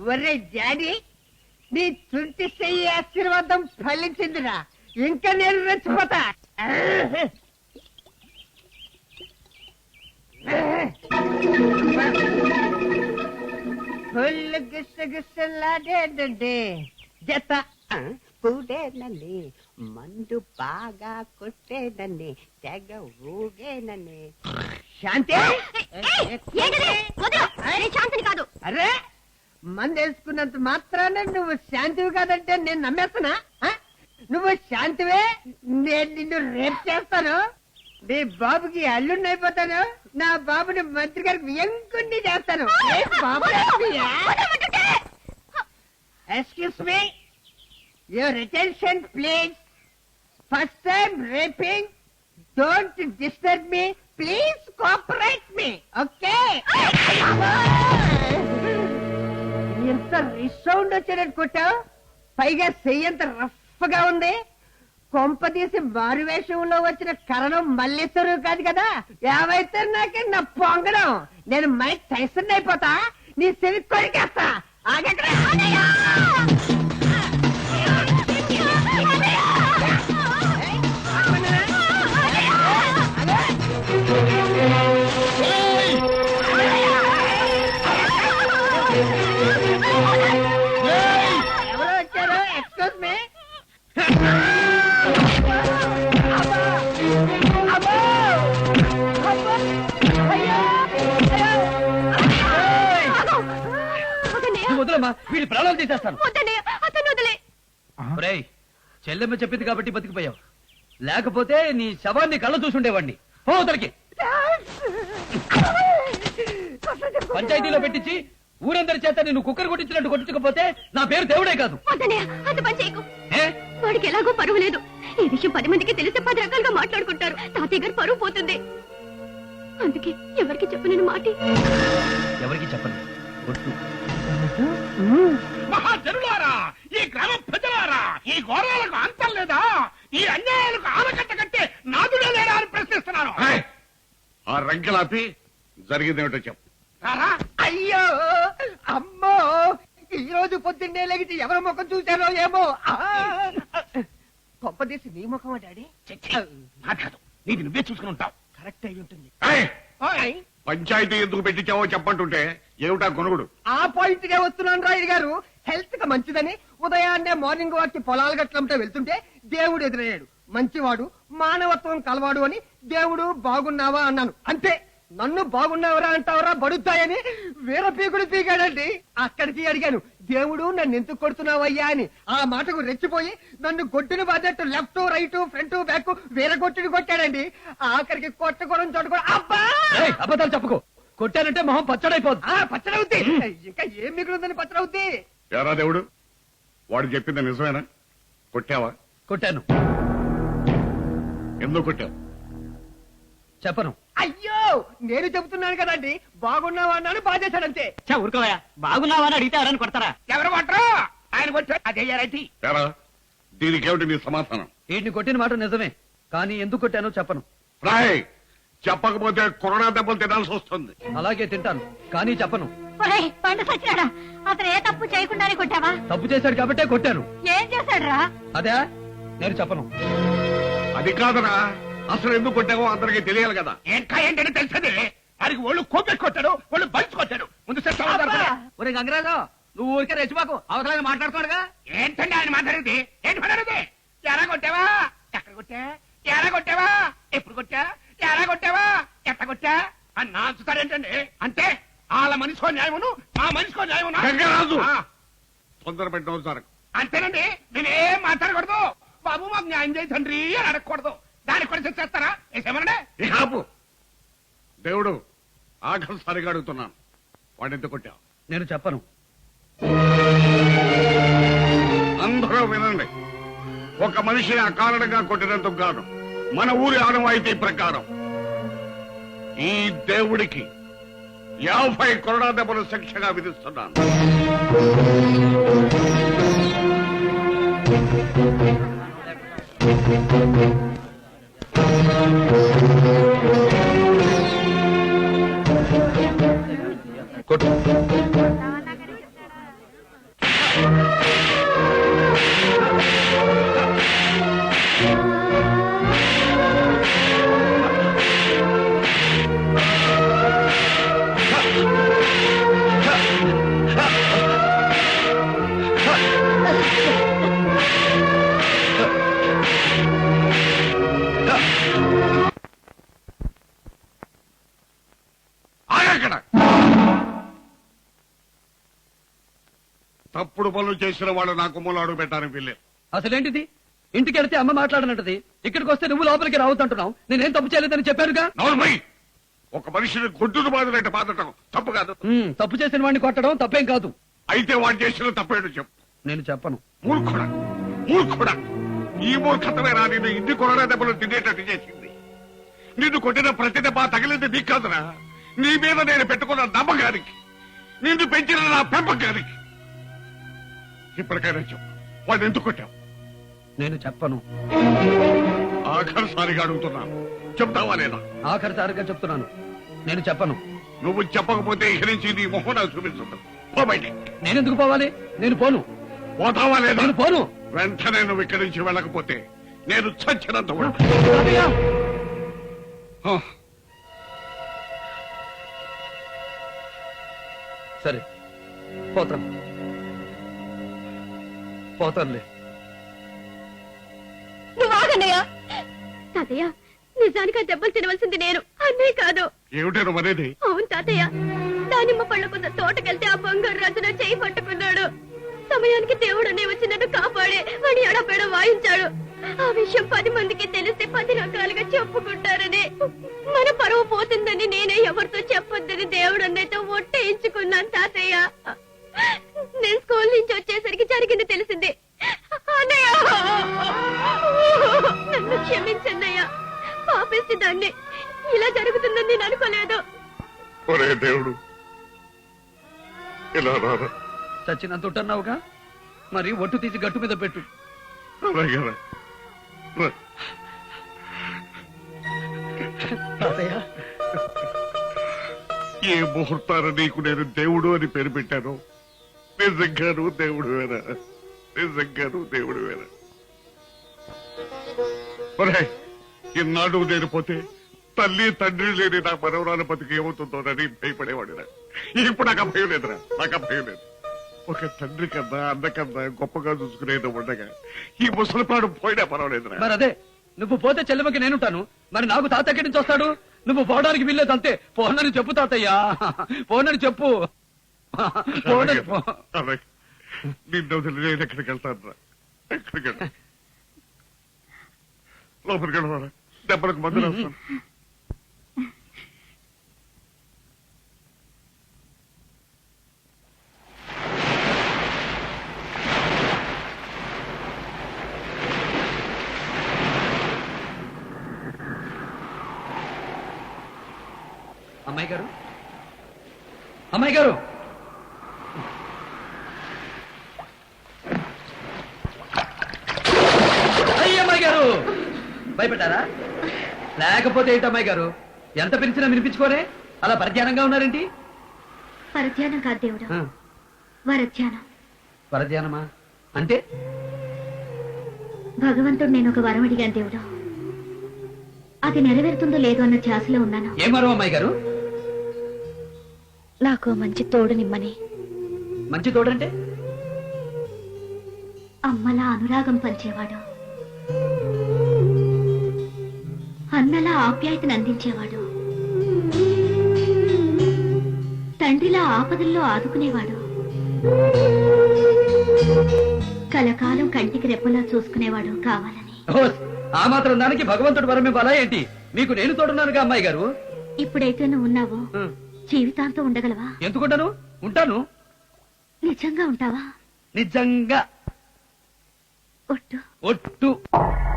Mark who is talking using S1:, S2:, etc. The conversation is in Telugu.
S1: ఒరే డాడీ, నీ చుంటి చెయ్యి ఆశీర్వాదం ఫలించిందిరా. ఇంకా నేను రెచ్చిపోతా. ఫుల్ గిసగిసలాడేదండి జత పూడేనండి, మందు బాగా కొట్టేనండి, తెగ ఊగేనండి. శాంతి
S2: శాంతిని కాదు.
S1: అరే, మందు వేసుకున్నంత మాత్రాన నువ్వు శాంతివి కాదంటే నేను నమ్మేస్తున్నా. నువ్వు శాంతివే, నేను నిన్ను రేపు చేస్తాను. నీ బాబుకి అల్లుడిని అయిపోతాను. నా బాబుని మంత్రి గారికి ఎంకుని చేస్తాను. Excuse me, your attention please. First time rapping, don't disturb me, please cooperate me. Okay? ఎంత రిసౌండ్ వచ్చాడని కొట్టావు, పైగా చెయ్యంత రఫ్ గా ఉంది. కొంపదీసి మారువేషంలో వచ్చిన కరణం మల్లేశ్వరు కాదు కదా. ఏమైతే నాకే నా పొంగడం. నేను మైక్ టైసన్ అయిపోతా, నీ చెవి కొరికేస్తా. ఆగక్కడ ఎవరో వచ్చారు. Excuse me.
S3: వదలమ్మా, వీడి ప్రాణాలు తీసేస్తాను. చెల్లెమ్మ చెప్పింది కాబట్టి బతికిపోయావు, లేకపోతే నీ శవాన్ని కళ్ళ చూసుండేవాడిని. పోతలకి పంచాయతీలో పెట్టించి ఊరందరి చేత నేను కుక్కర్ కొట్టించినట్టు కొట్టించకపోతే నా పేరు దేవుడే కాదు.
S2: వాడికి ఎలాగో పరువు లేదు. ఈ విషయం 10 మందికి తెలిసి 10 రకాలుగా మాట్లాడుకుంటారు. తాతయ్య గారు పరువు పోతుంది. అందుకే ఎవరికి చెప్పను మాట.
S3: ఎవరికి చెప్పను.
S4: మహాజనులారా, ఈ గ్రామ ప్రజలారా, ఈ ఘోరాలకు అంతం లేదా? ఈ అన్యాయాలకు ఆనకట్ట కట్టే నాదుడే లేడా అని ప్రశ్నిస్తున్నాను.
S5: ఆ రంకెలాపి జరిగిందేమిటో చెప్పు.
S1: అయ్యో అమ్మో, ఈ రోజు పొద్దున్నే లేచి ఎవరి ముఖం చూశారో ఏమో. గొప్పదీసి నీ ముఖమా డాడీ?
S4: కాదు, నీది నువ్వే చూసుకుని ఉంటావు.
S1: కరెక్ట్ అయి ఉంటుంది.
S5: పంచాయతీ ఎందుకు పెట్టించావో చెప్పంటుంటే ఏమిటా కొనుగుడు?
S1: ఆ పాయింట్ గా వస్తున్నాను రాయుడు గారు. హెల్త్ కి మంచిదని ఉదయాన్నే మార్నింగ్ వాక్ కి పొలాలు గట్లంటే వెళ్తుంటే దేవుడు ఎదురయ్యాడు. మంచివాడు, మానవత్వం కలవాడు అని దేవుడు బాగున్నావా అన్నాను. అంతే. నన్ను బాగున్నావరా అంటావరా బడుతాయని వీర పీకుడు పీకాడండి. అక్కడికి అడిగాను, దేవుడు నన్ను ఎందుకు కొడుతున్నావయ్యా అని. ఆ మాటకు రెచ్చిపోయి నన్ను గొడ్డును బాధట్టు లెఫ్ట్ రైట్ ఫ్రంట్ బ్యాక్ వీర కొట్టుని కొట్టాడండి. ఆఖరికి కొట్టకూడని చోట కూడా అబ్బా.
S3: అబద్ధాలు చెప్పుకో. కొట్టానంటే మొహం పచ్చడైపోద్ది.
S1: పచ్చడవుద్ది. ఇంకా ఏం మిగులుందని పచ్చడవుద్ది.
S5: ఎరా దేవుడు, వాడు చెప్పింది నిజమేనా? కొట్టావా?
S3: కొట్టాను.
S5: ఎందుకు కొట్టావు?
S3: చెప్పను.
S1: అయ్యో, నేను చెబుతున్నాను కదండి, బాగున్నావా అన్నాను, బాధేశాడంతే.
S3: ఊరుకోవా, బాగున్నావా అని అడిగితే ఎవరని కొడతారా?
S4: ఎవరు కొట్టరు? ఆయన కొట్టారు. అదేయారైతే
S5: దీనికేమిటి నీ సమాధానం?
S3: వీడిని కొట్టిన మాట నిజమే, కానీ ఎందుకు కొట్టానో చెప్పను.
S5: రాయ్, చెప్పకపోతే కొరోనా దెబ్బలు తినాల్సి వస్తుంది.
S3: అలాగే తింటాను, కానీ చెప్పను.
S2: పండు సచ్చినాడా? అతను ఏ తప్పు చేయకుండానే కొట్టావా?
S3: తప్పు చేశాడు కాబట్టే కొట్టాను.
S2: ఏం చేశాడు రా?
S3: అదే నేను చెప్పను.
S5: అది కాదరా, అసలు ఎందుకు కొట్టావో అందరికీ తెలియాలి కదా.
S4: ఇంకా ఏంటని తెలిసింది. వారికి ఒళ్ళు కోపెట్టి కొట్టాడు, ఒళ్ళు బంచి కొట్టాడు. ముందు
S3: ఒరే గంగరాజు, నువ్వు ఊరికే రెచ్చిపోకు. అవసరం మాట్లాడుతున్నాడుగా.
S4: ఏంటండి ఆయన మాట్లాడేది? ఏంటి మాట్లాడేది? ఎలా కొట్టావా? ఎక్కడ కొట్టా? ఎలా కొట్టావా? ఎప్పుడు కొట్టా? ఎలా కొట్టావా? ఎట్ట కొట్టా అని నాచుతారేంటండి? అంటే వాళ్ళ మనిషికో న్యాయమును, మా మనిషికో న్యాయమును.
S5: గంగరాజు, తొందర పెట్టడం సార్.
S4: అంతేనండి, నేనేం మాట్లాడకూడదు. బాబు మాకు న్యాయం చేయి తండ్రి అని అడగకూడదు. దానికి కూడా చేస్తారా? ఏమనండి?
S5: దేవుడు, ఆఖరిసారిగా అడుగుతున్నాను, వాడిని ఎందుకు కొట్టావు?
S3: నేను చెప్పను.
S5: అందరూ వినండి. ఒక మనిషిని అకారణంగా కొట్టినందుకు గాను మన ఊరి ఆనవాయితీ ప్రకారం ఈ దేవుడికి 50 కొరడా దెబ్బలు శిక్షగా విధిస్తున్నాను. తప్పుడు పనులు చేసిన వాళ్ళు నా కుమ్మలో అడుగు పెట్టాలని వీల్లేదు.
S3: అసలేంటిది? ఇంటికి వెళ్తే అమ్మ మాట్లాడనంటది, ఇక్కడికి వస్తే నువ్వు లోపలికి రావద్దంటున్నావు. నేనేం తప్పు చేయలేదని చెప్పానుగా.
S5: నోర్మై, ఒక మనిషిని గొడ్డును బాధలంటే బాధటం తప్పు కాదు.
S3: తప్పు చేసిన వాడిని కొట్టడం తప్పేం కాదు.
S5: అయితే వాడు చేసిన తప్పేంటో చెప్పు.
S3: నేను చెప్పను.
S5: మూర్ఖుడా, మూర్ఖుడా, ఈ మూర్ఖతమేనా నిన్ను ఇన్ని కొరడా దెబ్బలు తినేటట్టు చేసింది. నిన్ను కొట్టిన ప్రతి దెబ్బ తగిలింది నీకు కాదురా, నీ మీద నేను పెట్టుకున్న నమ్మకానికి, నిన్ను పెంచిన నా పెంపకానికి. ఇప్పటికైనా చెప్పు, వాడు ఎందుకు కొట్టావు?
S3: నేను చెప్పను.
S5: ఆఖరిసారిగా అడుగుతున్నాను, చెప్తావా లేదా?
S3: ఆఖరిసారిగా చెప్తున్నాను, నేను చెప్పను.
S5: నువ్వు చెప్పకపోతే ఇక నుంచి నీ మొహం నాకు చూపించదు. పో బయటికి.
S3: నేనెందుకు పోవాలి? నేను పోను.
S5: పోతావా లేదా?
S3: నేను పోను.
S5: వెంటనే నువ్వు ఇక్కడి నుంచి వెళ్ళకపోతే నేను చచ్చినంత కూడా.
S3: తాతయ్య!
S5: ఆ,
S3: సరే, పోతాను. పోతానులే.
S2: నువ్వు ఆగన్నయ్య. తాతయ్య, నిజానికి ఆ దెబ్బలు తినవలసింది నేను, అన్నయ్య కాదు.
S5: ఏమిటే నువ్వు అనేది?
S2: అవును తాతయ్య, దానిమ్మ పళ్ళకున్న తోటకెళ్తే ఆ బంగారు రాజున చేయి పట్టుకున్నాడు. సమయానికి దేవుడు అనే వచ్చి నన్ను కాపాడే వాడి ఎడపేడ వాయించాడు. ఆ విషయం 10 మందికి తెలిస్తే 10 రకాలుగా చెప్పుకుంటారని, మన పరువు పోతుందని నేనే ఎవరితో చెప్పొద్దని దేవుడు అన్నయ్యతో ఒట్టేయించుకున్నాను తాతయ్య. నేను స్కూల్ నుంచి వచ్చేసరికి జరిగింది తెలిసింది. అన్నయ్య, నన్ను క్షమించన్నయ్య, పాపేసి దాన్ని. ఇలా జరుగుతుందని నేను అనుకోలేదు.
S5: ఒరే దేవుడు, ఇలా రారా.
S3: చచ్చినంత ఉంటున్నావుగా, మరి ఒట్టు తీసి గట్టు మీద పెట్టు.
S5: అలాగే రా. రా.
S3: తాతయ్య,
S5: ఏ ముహూర్తాన నీకు నేను దేవుడు అని పేరు పెట్టాను. నిజంగాను దేవుడు వేరా, నిజంగాను దేవుడు వేరా. ఒరే, ఇన్నాడు నేను పోతే తల్లి తండ్రి లేని నా మనవరాల బతికి ఏమవుతుందోనని భయపడేవాడిరా. ఇప్పుడు నాకు భయం లేదురా, నాకు భయం లేదు. ఒక తండ్రి కన్నా అన్న కన్నా గొప్పగా చూసుకునేది ఉండగా ఈ ముసలిపాడు పోయినా పర్వాలేదురా.
S3: మరి అదే, నువ్వు పోతే చెల్లెమ్మకి నేనుంటాను. మరి నాకు తాత ఎక్కడి నుంచి వస్తాడు? నువ్వు పోవడానికి వీల్లేదు అంతే. పోనని చెప్పు తాతయ్యా, పోనని చెప్పు. పోనని పో.
S5: అలాగే, నిన్ను వదిలి నేను ఎక్కడికి వెళ్తాను రా, ఎక్కడికి వెళ్తా. లోపలికి వెళ్ళవారా, దెబ్బలకు మందులు వస్తాను.
S3: అమ్మాయి గారు, అమ్మాయి గారు, అమ్మాయి గారు, భయపడ్డారా? లేకపోతే ఏంటి అమ్మాయి గారు, ఎంత పిలిచినా వినిపించుకోరే, అలా పరిధ్యానంగా ఉన్నారేంటి?
S2: పరధ్యానం కాదు దేవుడు, వరధ్యానం.
S3: పరధ్యానమా అంటే?
S2: భగవంతుడు నేను ఒక వరం అడిగాను దేవుడు, అది నెరవేరుతుందో లేదో అన్న ధ్యాసలో ఉన్నాను.
S3: ఏం వరం అమ్మాయి గారు?
S2: నాకు మంచి తోడునిమ్మని.
S3: మంచి తోడంటే?
S2: అమ్మలా అనురాగం పంచేవాడు, అన్నలా ఆప్యాయతను అందించేవాడు, తండ్రిలా ఆపదల్లో ఆదుకునేవాడు, కలకాలం కంటికి రెప్పలా చూసుకునేవాడు కావాలని.
S3: ఆ మాత్రం దానికి భగవంతుడు వరం ఇవ్వాలా ఏంటి? మీకు నేను తోడున్నానుగా అమ్మాయి గారు.
S2: ఇప్పుడైతే నువ్వు ఉన్నావో జీవితాంతం ఉండగలవా?
S3: ఎందుకుంటాను? ఉంటాను.
S2: నిజంగా ఉంటావా?
S3: నిజంగా.
S2: ఒట్టు.
S3: ఒట్టు.